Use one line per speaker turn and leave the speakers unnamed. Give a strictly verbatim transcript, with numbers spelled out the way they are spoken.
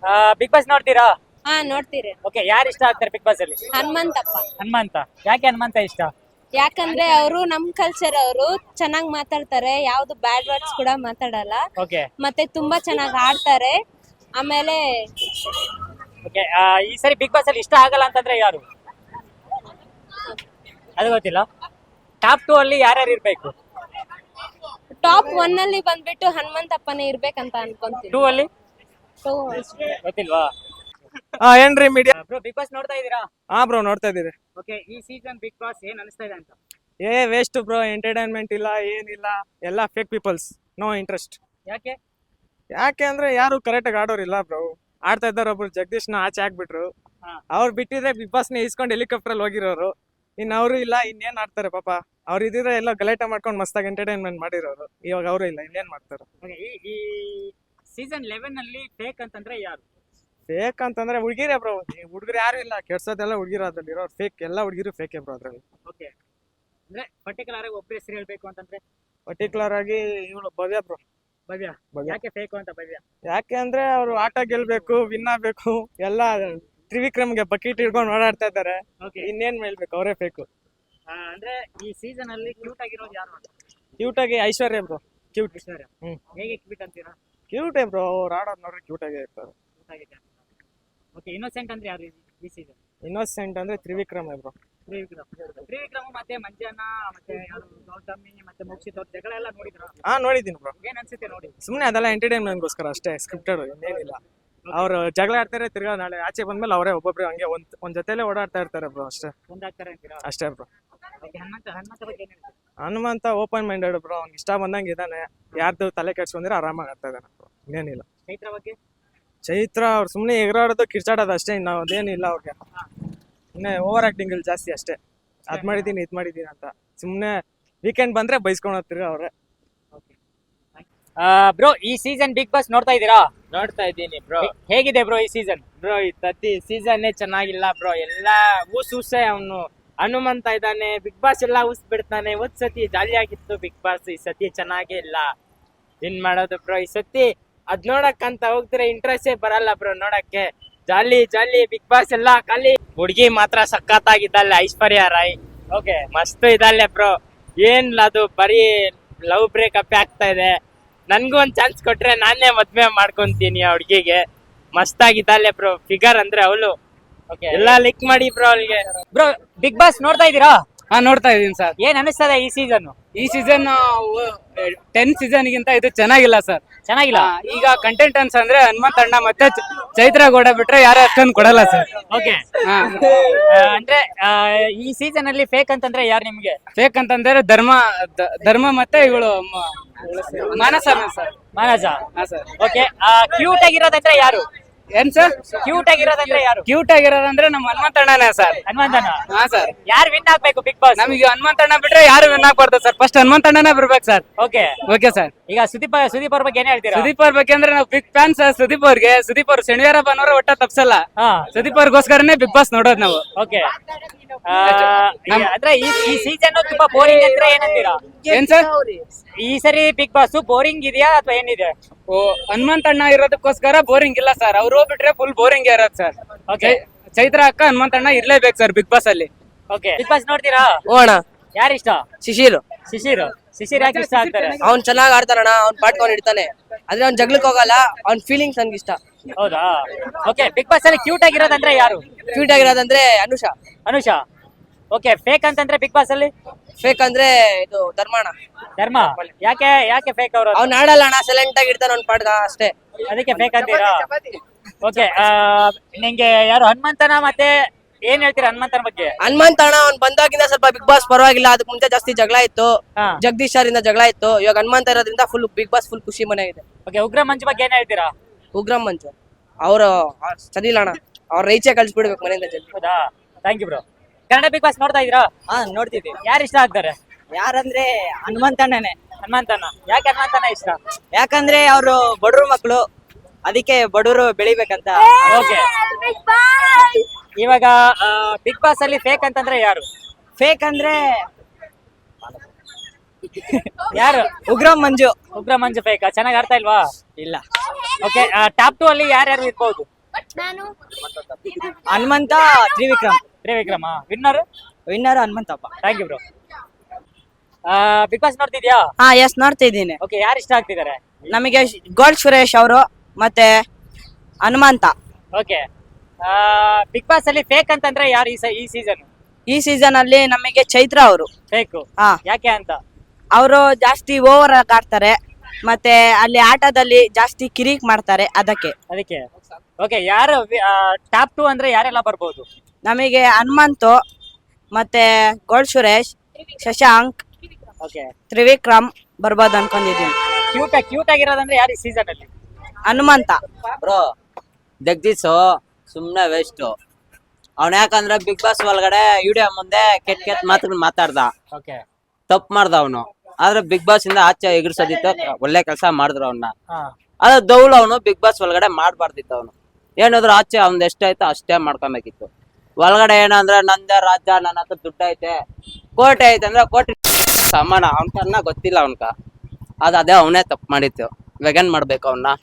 Big boss ನೋಡ್ತೀರಾ?
ಹಾ ನೋಡ್ತೀರಿ.
ಓಕೆ, ಯಾರು ಇಷ್ಟ ಆಗ್ತಾರೆ ಬಿಗ್ ಬಾಸ್ ಅಲ್ಲಿ?
ಹನುಮಂತಪ್ಪ.
ಹನುಮಂತ. ಯಾಕೆ ಹನುಮಂತ ಇಷ್ಟ?
ಯಾಕಂದ್ರೆ ಅವರು ನಮ್ ಕಲ್ಚರ್ ಅವರು ಚೆನ್ನಾಗ್ ಮಾತಾಡ್ತಾರೆ, ಯಾವ್ದು ಬ್ಯಾಡ್ ವರ್ಡ್ಸ್ ಕೂಡ ಮಾತಾಡಲ್ಲ.
ಓಕೆ
ಮತ್ತೆ ತುಂಬಾ ಚೆನ್ನಾಗ್ ಆಡ್ತಾರೆ. ಆಮೇಲೆ
ಓಕೆ, ಈ ಸರಿ ಬಿಗ್ ಬಾಸ್ ಅಲ್ಲಿ ಇಷ್ಟ ಆಗಲ್ಲ ಅಂತಂದ್ರೆ ಯಾರು? ಅದು ಗೊತ್ತಿಲ್ಲ. ಟಾಪ್ ಟೂ ಅಲ್ಲಿ ಯಾರ್ಯಾರು ಇರ್ಬೇಕು?
ಟಾಪ್ ಒನ್ ಅಲ್ಲಿ ಬಂದ್ಬಿಟ್ಟು ಹನುಮಂತಪ್ಪನೇ ಇರ್ಬೇಕಂತ ಅನ್ಕೊಂತೀನಿ.
ಟೂ ಅಲ್ಲಿ
Two.
ಗೊತ್ತಿಲ್ವಾ?
ಹಾ ಏನ್ರಿ ಮೀಡಿಯಾ
ಬ್ರೋ, ಬಿಗ್ ಬಾಸ್ ನೋಡ್ತಾ ಇದೀರಾ?
ಹಾ ಬ್ರೋ ನೋಡ್ತಾ ಇದೀರಿ.
ಓಕೆ, ಈ ಸೀಸನ್ ಬಿಗ್ ಬಾಸ್ ಏನ್ ಅನಿಸ್ತಾ ಇದೆ ಅಂತ?
ಏ ವೇಸ್ಟ್ ಬ್ರೋ, ಎಂಟರ್ಟೈನ್ಮೆಂಟ್ ಇಲ್ಲ ಏನಿಲ್ಲ, ಎಲ್ಲ ಫೇಕ್ ಪೀಪಲ್ಸ್, ನೋ ಇಂಟ್ರೆಸ್ಟ್.
ಯಾಕೆ?
ಯಾಕೆ ಅಂದ್ರೆ ಯಾರು ಕರೆಕ್ಟಾಗಿ ಆಡೋರಿಲ್ಲ ಬ್ರೋ. ಆಡ್ತಾ ಇದ್ದಾರೆ ಒಬ್ರು ಜಗದೀಶ್ನ ಆಚೆ ಹಾಕ್ಬಿಟ್ರು.
ಹಾ.
ಅವ್ರು ಬಿಟ್ಟಿದ್ರೆ ಬಿಗ್ ಬಾಸ್ನ ಇಸ್ಕೊಂಡು ಹೆಲಿಕಾಪ್ಟರ್ ಅಲ್ಲಿ ಹೋಗಿರೋರು. ಇನ್ನು ಅವರು ಇಲ್ಲ, ಇನ್ನೇನ್ ಆಡ್ತಾರೆ ಪಾಪ. ಅವ್ರು ಇದ್ರೆ ಎಲ್ಲ ಗಲಾಟೆ ಮಾಡ್ಕೊಂಡು ಮಸ್ತಾಗಿ ಎಂಟರ್ಟೈನ್ಮೆಂಟ್ ಮಾಡಿರೋರು. ಇವಾಗ ಅವರು ಇಲ್ಲ, ಇನ್ನೇನ್ ಮಾಡ್ತಾರೆ.
Okay, ಈ ಈ ಸೀಸನ್ ಲೆವೆನ್ ಅಲ್ಲಿ ಫೇಕ್ ಅಂತಂದ್ರೆ ಯಾರು?
ಫೇಕ್ ಅಂತಂದ್ರೆ ಹುಡುಗಿರೇ ಬ್ರೋ. ಹುಡುಗರು ಯಾರು ಇಲ್ಲ, ಕೆಡ್ಸೋದೆಲ್ಲ ಹುಡುಗಿರು ಅದ್ರಲ್ಲಿ ಇರೋ ಫೇಕ್. ಎಲ್ಲ ಹುಡುಗಿರು ಫೇಕೆ ಬ್ರೋ ಅದ್ರಲ್ಲಿ.
ಓಕೆ, ಅಂದ್ರೆ ಪರ್ಟಿಕ್ಯುಲರ್ ಆಗಿ ಒಬ್ಬ ಹೆಸರು ಹೇಳ್ಬೇಕು ಅಂತಂದ್ರೆ
ಪರ್ಟಿಕ್ಯುಲರ್ ಆಗಿ ಇವಳು ಭವ್ಯ ಬ್ರೋ.
ಭವ್ಯ.
ಭವ್ಯ.
ಯಾಕೆ ಫೇಕ್ ಅಂತ ಭವ್ಯ?
ಯಾಕೆ ಅಂದ್ರೆ ಅವ್ರು ಆಟ ಗೆಲ್ಬೇಕು, ವಿನ್ ಆಗ್ಬೇಕು, ಎಲ್ಲ ತ್ರಿವಿಕ್ರಮ್ಗೆ ಬಕೆಟ್ ಹಿಡ್ಕೊಂಡು ಓಡಾಡ್ತಾ ಇದ್ದಾರೆ.
ಓಕೆ,
ಇನ್ನೇನ್ ಹೇಳ್ಬೇಕು, ಅವರೇ ಬೇಕು.
ಅಂದ್ರೆ ಈ ಸೀಸನ್ ಅಲ್ಲಿ ಕ್ಯೂಟ್ ಆಗಿರೋದು ಯಾರು ಅಂತ?
ಕ್ಯೂಟ್ ಆಗಿ ಐಶ್ವರ್ಯ ಬ್ರೋ. ಕ್ಯೂಟ್.
ಐಶ್ವರ್ಯ.
ಹ್ಮ್.
ಹೇಗೆ ಕ್ಯೂಟ್ ಅಂತೀರಾ?
ಕ್ಯೂಟ್ ಬ್ರೋ, ಅವ್ರು ಆಡೋದ್ ನೋಡ್ರೆ ಕ್ಯೂಟ್ ಆಗೇ ಇರ್ತಾರೆ.
ಕ್ಯೂಟ್ ಆಗಿದೆ. ಓಕೆ, ಇನ್ನೋಸೆಂಟ್ ಅಂದ್ರೆ ಯಾರು ಈ- ಈ ಸೀಸನ್?
ಇನ್ನೋಸೆಂಟ್ ಅಂದ್ರೆ ತ್ರಿವಿಕ್ರಮ್ ಬ್ರೋ.
ತ್ರಿವಿಕ್ರಮ್. ತ್ರಿವಿಕ್ರಮ್ ಮತ್ತೆ ಮಂಜಾನ ಮತ್ತೆ ಯಾರು ಗೌತಮಿ ಮತ್ತೆ ಮೋಕ್ಷಿತ್ ಅವ್ರ ಜಗಳ ಎಲ್ಲ ನೋಡಿದ್ರ?
ಹಾ ನೋಡಿದೀನಿ ಬ್ರೋ.
ಏನ್ ಅನ್ಸುತ್ತೆ ನೋಡಿ?
ಸುಮ್ನೆ ಅದೆಲ್ಲ ಎಂಟರ್ಟೈನ್ಮೆಂಟ್ಗೋಸ್ಕರ ಅಷ್ಟೇ, ಸ್ಕ್ರಿಪ್ಟೆಡ್, ಇನ್ನೇನಿಲ್ಲ. ಅವ್ರು ಜಗಳ ಆಡ್ತಾರೆ, ತಿರ್ಗಾ ನಾಳೆ ಆಚೆ ಬಂದ್ಮೇಲೆ ಅವರೇ ಒಬ್ಬೊಬ್ರು ಹಂಗೆ ಒಂದ್ ಒಂದ್ ಜೊತೆಲೆ ಓಡಾಡ್ತಾ ಇರ್ತಾರೆ ಬ್ರೋ. ಅಷ್ಟೇ
ಒಂದಾಗ್ತಾರೆ ಅಂತೀರಾ?
ಅಷ್ಟೇ ಬ್ರೋ.
ಓಕೆ, ಹನುಮಂತ ಹನುಮಂತ ಬಗ್ಗೆ ಏನ್ ಹೇಳ್ತೀರಾ?
Hanumantha open minded bro. ಅವ್ನಿಗೆ ಇಷ್ಟ ಬಂದಂಗೆ ಇದ್ದಾನೆ. ಯಾರ್ದು ತಲೆ ಕೆಡ್ಸ್ಕೊಂಡ್ರೆ ಆರಾಮಾಗಿ ಆಡ್ತಾ ಇದ್ದಾನೆ ಬ್ರೋ. ಇನ್ನೇನಿಲ್ಲ.
ಚೈತ್ರ ಬಗ್ಗೆ?
ಚೈತ್ರ ಅವ್ರು ಸುಮ್ಮನೆ ಎಗರಾಡೋದು ಕಿರ್ಚಾಡೋದು ಅಷ್ಟೇ, ಇನ್ನು ಅದೇನಿಲ್ಲ ಅವ್ರಿಗೆ. ಸುಮ್ಮನೆ ಓವರ್ ಆಕ್ಟಿಂಗ್ ಇಲ್ಲಿ ಜಾಸ್ತಿ ಅಷ್ಟೇ. ಅದ್ ಮಾಡಿದೀನಿ ಇದ್ ಮಾಡಿದೀನಿ ಅಂತ ಸುಮ್ಮನೆ ವೀಕೆಂಡ್ ಬಂದ್ರೆ ಬೈಸ್ಕೊಂಡು ಹೋಗ್ತಿರ ಅವ್ರೆ.
ಬ್ರೋ, ಈ ಸೀಸನ್ ಬಿಗ್ ಬಾಸ್ ನೋಡ್ತಾ ಇದ್ದೀರಾ?
ನೋಡ್ತಾ ಇದ್ದೀನಿ ಬ್ರೋ.
ಹೇಗಿದೆ ಬ್ರೋ ಈ ಸೀಸನ್?
ಬ್ರೋ ಈ ತತ್ತಿ ಸೀಸನ್ನೇ ಚೆನ್ನಾಗಿಲ್ಲ ಬ್ರೋ. ಎಲ್ಲ ಊಸ್ ಊಸೆ ಅವನು. ಹನುಮಂತ ಇದ್ದಾನೆ, ಬಿಗ್ ಬಾಸ್ ಎಲ್ಲ ಊಸ್ ಬಿಡ್ತಾನೆ. ಒಂದ್ ಸತಿ ಜಾಲಿ ಆಗಿತ್ತು ಬಿಗ್ ಬಾಸ್, ಈ ಸತಿ ಚೆನ್ನಾಗೇ ಇಲ್ಲ. ಏನ್ ಮಾಡೋದು ಬ್ರೋ ಈ ಸತಿ? ಅದ್ ನೋಡಕ್ಕಂತ ಹೋಗ್ತಿರ ಇಂಟ್ರೆಸ್ಟೇ ಬರಲ್ಲ ಬ್ರೋ ನೋಡಕ್ಕೆ. ಜಾಲಿ ಜಾಲಿ ಬಿಗ್ ಬಾಸ್ ಎಲ್ಲ ಖಾಲಿ. ಹುಡ್ಗಿ ಮಾತ್ರ ಸಖತ್ತಾಗಿದ್ದಾಳೆ, ಐಶ್ವರ್ಯ ರಾಯ್.
ಓಕೆ,
ಮಸ್ತ್ ಇದ್ದಾಳೆ ಬ್ರೋ. ಏನ್ ಅದು ಬರೀ ಲವ್ ಬ್ರೇಕಪ್ ಆಗ್ತಾ ಇದೆ. ನನ್ಗೂ ಒಂದ್ ಚಾನ್ಸ್ ಕೊಟ್ರೆ ನಾನೇ ಮದ್ವೆ ಮಾಡ್ಕೊಂತೀನಿ ಆ ಹುಡ್ಗಿಗೆ. ಮಸ್ತ್ ಆಗಿದ್ದಾಳೆ ಬ್ರೋ. ಫಿಗರ್ ಅಂದ್ರೆ ಅವಳು.
ಓಕೆ.
ಎಲ್ಲ ಲಿಕ್ ಮಾಡಿ ಬ್ರೋ ಅವಳಿಗೆ.
ಬ್ರೋ, ಬಿಗ್ ಬಾಸ್ ನೋಡ್ತಾ ಇದ್ದೀರಾ?
ಹಾ ನೋಡ್ತಾ ಇದೀನಿ ಸರ್.
ಏನ್ ಅನಿಸ್ತದೆ ಈ ಸೀಸನ್?
ಈ ಸೀಸನ್ ಟೆನ್ ಸೀಸನ್ ಗಿಂತ ಇದು ಚೆನ್ನಾಗಿಲ್ಲ ಸರ್.
ಚೆನ್ನಾಗಿಲ್ಲ.
ಆ, ಈಗ ಕಂಟೆಂಟೆನ್ಸ್ ಅಂದ್ರೆ ಹನುಮಂತ ಅಣ್ಣ ಮತ್ತೆ ಚ- ಚೈತ್ರ ಗೌಡ ಬಿಟ್ರೆ ಯಾರು ಅಷ್ಟೊಂದು ಕೊಡಲ್ಲ ಸರ್.
ಓಕೆ,
ಹಾ
ಅಂದ್ರೆ ಆ, ಈ ಸೀಸನ್ ಅಲ್ಲಿ ಫೇಕ್ ಅಂತಂದ್ರೆ ಯಾರು ನಿಮ್ಗೆ?
ಫೇಕ್ ಅಂತಂದ್ರೆ ಧರ್ಮ ದ- ಧರ್ಮ ಮತ್ತೆ ಇವಳು ಮಾನಸ ಸರ್.
ಮಾನಸ.
ಹಾ ಸರ್.
ಓಕೆ, ಕ್ಯೂಟ್ ಆಗಿರೋದಂದ್ರೆ ಯಾರು?
ಏನ್ ಸರ್?
ಕ್ಯೂಟ್ ಆಗಿರೋದಂದ್ರೆ ಯಾರು?
ಕ್ಯೂಟ್ ಆಗಿರೋದಂದ್ರೆ ನಮ್ಮ ಹನುಮಂತ ಅಣ್ಣನೇ ಸರ್.
ಹನುಮಂತನ.
ಹಾ ಸರ್.
ಯಾರು ವಿನ್ ಆಗ್ಬೇಕು ಬಿಗ್ ಬಾಸ್?
ನಮಗೆ ಹನುಮಂತ ಅಣ್ಣ ಬಿಟ್ರೆ ಯಾರು ವಿನ್ ಆಗ್ಬಾರ್ದು ಸರ್. ಫಸ್ಟ್ ಹನುಮಂತ ಅಣ್ಣನೇ ಬರ್ಬೇಕು ಸರ್.
Okay,
okay sir.
ಈಗ ಸುದೀಪ್ ಸುದೀಪ್ ಅವ್ರ ಬಗ್ಗೆ ಏನ್ ಹೇಳ್ತೀರಾ?
ಸುದೀಪ್ ಅವ್ರ ಬೇಕಂದ್ರೆ ನಾವು ಬಿಗ್ ಫ್ಯಾನ್ ಸರ್ ಸುದೀಪ್ ಅವ್ರಿಗೆ. ಸುದೀಪ್ ಅವ್ರು ಶನಿವಾರ ಭಾನುವಾರ ಒಟ್ಟ ತಪ್ಸಲ್ಲ.
ಹಾ,
ಸುದೀಪ್ ಅವ್ರಿಗೋಸ್ಕರನೇ ಬಿಗ್ ಬಾಸ್ ನೋಡೋದು ನಾವು.
ಓಕೆ. ಅಂದ್ರೆ ಈ ಈ ಸೀಸನ್ ತುಂಬಾ ಬೋರಿಂಗ್ ಅಂದ್ರೆ ಏನಂತೀರಾ?
ಏನ್ ಸರ್?
ಈ ಸರಿ ಬಿಗ್ ಬಾಸ್ ಬೋರಿಂಗ್ ಇದೆಯಾ ಅಥವಾ ಏನಿದೆ?
ಓ ಹನುಮಂತ ಅಣ್ಣ ಇರೋದಕ್ಕೋಸ್ಕರ ಬೋರಿಂಗ್ ಇಲ್ಲ ಸರ್. ಅವ್ರು ಹೋಗ್ಬಿಟ್ರೆ ಫುಲ್ ಬೋರಿಂಗ್ ಇರೋದು ಸರ್.
ಓಕೆ,
ಚೈತ್ರ ಅಕ್ಕ ಹನುಮಂತ ಅಣ್ಣ ಇರ್ಲೇಬೇಕು ಸರ್ ಬಿಗ್ ಬಾಸ್ ಅಲ್ಲಿ.
ಓಕೆ. ಬಿಗ್ ಬಾಸ್ ನೋಡ್ತೀರಾ?
ಓ ಅಣ್ಣ,
ಯಾರು ಇಷ್ಟ?
ಶಿಶಿರ್.
ಶಿಶಿರ್. ಶಿಶಿರ್ ಯಾಕೆ ಇಷ್ಟ ಆಗ್ತಾರೆ?
ಅವ್ನ್ ಚೆನ್ನಾಗ್ ಆಡ್ತಾನಣ್ಣ, ಅವ್ನ್ ಪಾಟ್ಕೊಂಡ್ ಇಡ್ತಾನೆ. ಆದ್ರೆ ಅವ್ನ್ ಜಗ್ಲಕ್ ಹೋಗಲ್ಲ, ಅವ್ನ್ ಫೀಲಿಂಗ್ಸ್ ನನ್ಗೆ ಇಷ್ಟ.
ಹೌದಾ? ಓಕೆ, ಬಿಗ್ ಬಾಸ್ ಅಲ್ಲಿ ಕ್ಯೂಟ್ ಆಗಿರೋದಂದ್ರೆ ಯಾರು?
ಕ್ಯೂಟ್ ಆಗಿರೋದಂದ್ರೆ ಅನುಷಾ.
ಅನುಷಾ. ಓಕೆ, ಫೇಕ್ ಅಂತಂದ್ರೆ ಬಿಗ್ ಬಾಸ್ ಅಲ್ಲಿ
ಫೇಕ್ ಅಂದ್ರೆ ಇದು ಧರ್ಮಣ್ಣ.
ಧರ್ಮ. ಯಾಕೆ ಯಾಕೆ ಫೇಕ್ ಅವರು?
ಅವ್ನ್ ಆಡಲ್ಲ ಅಣ್ಣ, ಸೈಲೆಂಟ್ ಆಗಿ ಇಡ್ತಾನ ಅವ್ನ್ ಪಾಟ್ಗ ಅಷ್ಟೇ.
ಅದಕ್ಕೆ ಫೇಕ್ ಅಂತೀರಾ? ಓಕೆ, ನಿಂಗೆ ಯಾರು ಹನುಮಂತನ ಮತ್ತೆ ಏನ್ ಹೇಳ್ತೀರಾ ಹನುಮಂತನ ಬಗ್ಗೆ?
ಹನುಮಂತ ಅಣ್ಣ ಅವ್ನ್ ಬಂದಾಗಿಂದ ಸ್ವಲ್ಪ ಬಿಗ್ ಬಾಸ್ ಪರವಾಗಿಲ್ಲ. ಅದಕ್ಕೆ ಮುಂಚೆ ಜಾಸ್ತಿ ಜಗಳ ಇತ್ತು,
ಹಾ.
ಜಗದೀಶ್ ಅವರಿಂದ ಜಗಳ ಇತ್ತು. ಇವಾಗ ಹನುಮಂತ ಇರೋದ್ರಿಂದ ಫುಲ್ ಬಿಗ್ ಬಾಸ್ ಫುಲ್ ಖುಷಿ ಮನೆ ಇದೆ.
ಓಕೆ, ಉಗ್ರ ಮಂಜು ಬಗ್ಗೆ ಏನ್ ಹೇಳ್ತೀರಾ?
ಉಗ್ರಂ ಮಂಜು ಅವ್ರು ಸರಿ ಇಲ್ಲ ಅಣ್ಣ, ಅವ್ರ ರೈಚೆ ಕಳ್ಸಿಬಿಡ್ಬೇಕು ಮನೆಯಿಂದ ಜಲ್ದಿ.
ಹೌದಾ? Thank you bro. Kannada big boss ನೋಡ್ತಾ ಇದೀರಾ?
ಹಾ ನೋಡ್ತಿದ್ವಿ.
ಯಾರು ಇಷ್ಟ ಆಗ್ತಾರೆ?
ಯಾರಂದ್ರೆ ಹನುಮಂತಣ್ಣನೇ.
ಹನುಮಂತನ. ಯಾಕೆ ಹನುಮಂತನ ಇಷ್ಟ?
ಯಾಕಂದ್ರೆ ಅವರು ಬಡವ್ರ ಮಕ್ಕಳು, ಅದಕ್ಕೆ ಬಡವರು ಬೆಳಿಬೇಕಂತ.
ಓಕೆ, ಇವಾಗ ಬಿಗ್ ಬಾಸ್ ಅಲ್ಲಿ ಫೇಕ್ ಅಂತಂದ್ರೆ ಯಾರು?
ಫೇಕ್ ಅಂದ್ರೆ
ಯಾರು?
ಉಗ್ರಂ ಮಂಜು.
ಉಗ್ರ ಮಂಜು ಫೇಕ್. ಚೆನ್ನಾಗಿ ಆಡ್ತಾ ಇಲ್ವಾ?
ಇಲ್ಲ.
ಓಕೆ, ಟಾಪ್ ಟೂ ಅಲ್ಲಿ ಯಾರ್ಯಾರು ಇರ್ಬೋದು?
ನಾನು
Hanumantha Trivikram
Trivikrama winner.
Winner Hanumanthappa.
Thank you bro. Big boss ನೋಡ್ತಿದ್ಯಾ?
ಹಾ ಎಸ್ ನೋಡ್ತಾ ಇದ್ದೀನಿ.
ಓಕೆ, ಯಾರು ಇಷ್ಟ ಆಗ್ತಿದ್ದಾರೆ?
ನಮಗೆ ಗೋಲ್ಡ್ ಸುರೇಶ್ ಅವರು ಮತ್ತೆ ಹನುಮಂತ.
ಓಕೆ, ಬಿಗ್ ಬಾಸ್ ಅಲ್ಲಿ ಫೇಕ್ ಅಂತಂದ್ರೆ ಯಾರು ಈ ಸ- ಈ ಸೀಸನ್
ಈ ಸೀಸನ್ ಅಲ್ಲಿ ನಮಗೆ ಚೈತ್ರ ಅವರು.
ಫೇಕ್?
ಹಾ,
ಯಾಕೆ ಅಂತ?
ಅವರು ಜಾಸ್ತಿ ಓವರ್ ಆಗಿ ಆಡ್ತಾರೆ ಮತ್ತೆ ಅಲ್ಲಿ ಆಟದಲ್ಲಿ ಜಾಸ್ತಿ ಕಿರಿಕ್ ಮಾಡ್ತಾರೆ ಅದಕ್ಕೆ.
ಅದಕ್ಕೆ. ಓಕೆ, ಯಾರು ಟಾಪ್ ಟು ಅಂದ್ರೆ ಯಾರೆಲ್ಲ ಬರ್ಬೋದು?
ನಮಗೆ ಹನುಮಂತು ಮತ್ತೆ ಗೋಲ್ಡ್ ಸುರೇಶ್, ಶಶಾಂಕ್,
ಓಕೆ,
ತ್ರಿವಿಕ್ರಮ್ ಬರ್ಬೋದು ಅನ್ಕೊಂಡಿದ್ದೀನಿ.
ಕ್ಯೂಟ್ ಕ್ಯೂಟ್ ಆಗಿರೋದಂದ್ರೆ ಯಾರು ಈ ಸೀಸನ್ ಅಲ್ಲಿ?
ಹನುಮಂತ.
ಬ್ರೋ ಜಗದೀಶ್ ಸುಮ್ನೆ ವೇಸ್ಟ್. ಅವ್ನ ಯಾಕಂದ್ರೆ ಬಿಗ್ ಬಾಸ್ ಒಳಗಡೆ ವಿಡಿಯೋ ಮುಂದೆ ಕೆಟ್ಟ ಕೆಟ್ಟ ಮಾತುಗಳು ಮಾತಾಡ್ದ,
ಓಕೆ,
ತಪ್ಪು ಮಾಡ್ದ ಅವನು. ಆದ್ರೆ ಬಿಗ್ ಬಾಸ್ ಇಂದ ಆಚೆ ಎಗರ್ಸೋದಿತ್ತು, ಒಳ್ಳೆ ಕೆಲಸ ಮಾಡಿದ್ರು ಅವನ್ನ.
ಹಾ,
ಅದ ದೌಲ್ ಅವನು ಬಿಗ್ ಬಾಸ್ ಒಳಗಡೆ ಮಾಡ್ಬಾರ್ದಿತ್ತು. ಅವನು ಏನಾದ್ರು ಆಚೆ ಅವ್ನ್ ಎಷ್ಟಾಯ್ತು ಅಷ್ಟೇ ಮಾಡ್ಕೊಬೇಕಿತ್ತು. ಒಳಗಡೆ ಏನಂದ್ರೆ ನಂದೇ ರಾಜ್ಯ, ನನ್ನ ಹತ್ರ ದುಡ್ಡು ಐತೆ, ಕೋಟೆ ಐತೆ ಅಂದ್ರೆ ಕೋಟೆ ಸಮಾನ. ಅವ್ನ್ಕನ್ನ ಗೊತ್ತಿಲ್ಲ ಅವನ್ಕ. ಅದ ಅದೇ ಅವನೇ ತಪ್ಪು ಮಾಡಿತ್ತು. ಇವಾಗ ಏನ್ ಮಾಡ್ಬೇಕು ಅವನ್ನ?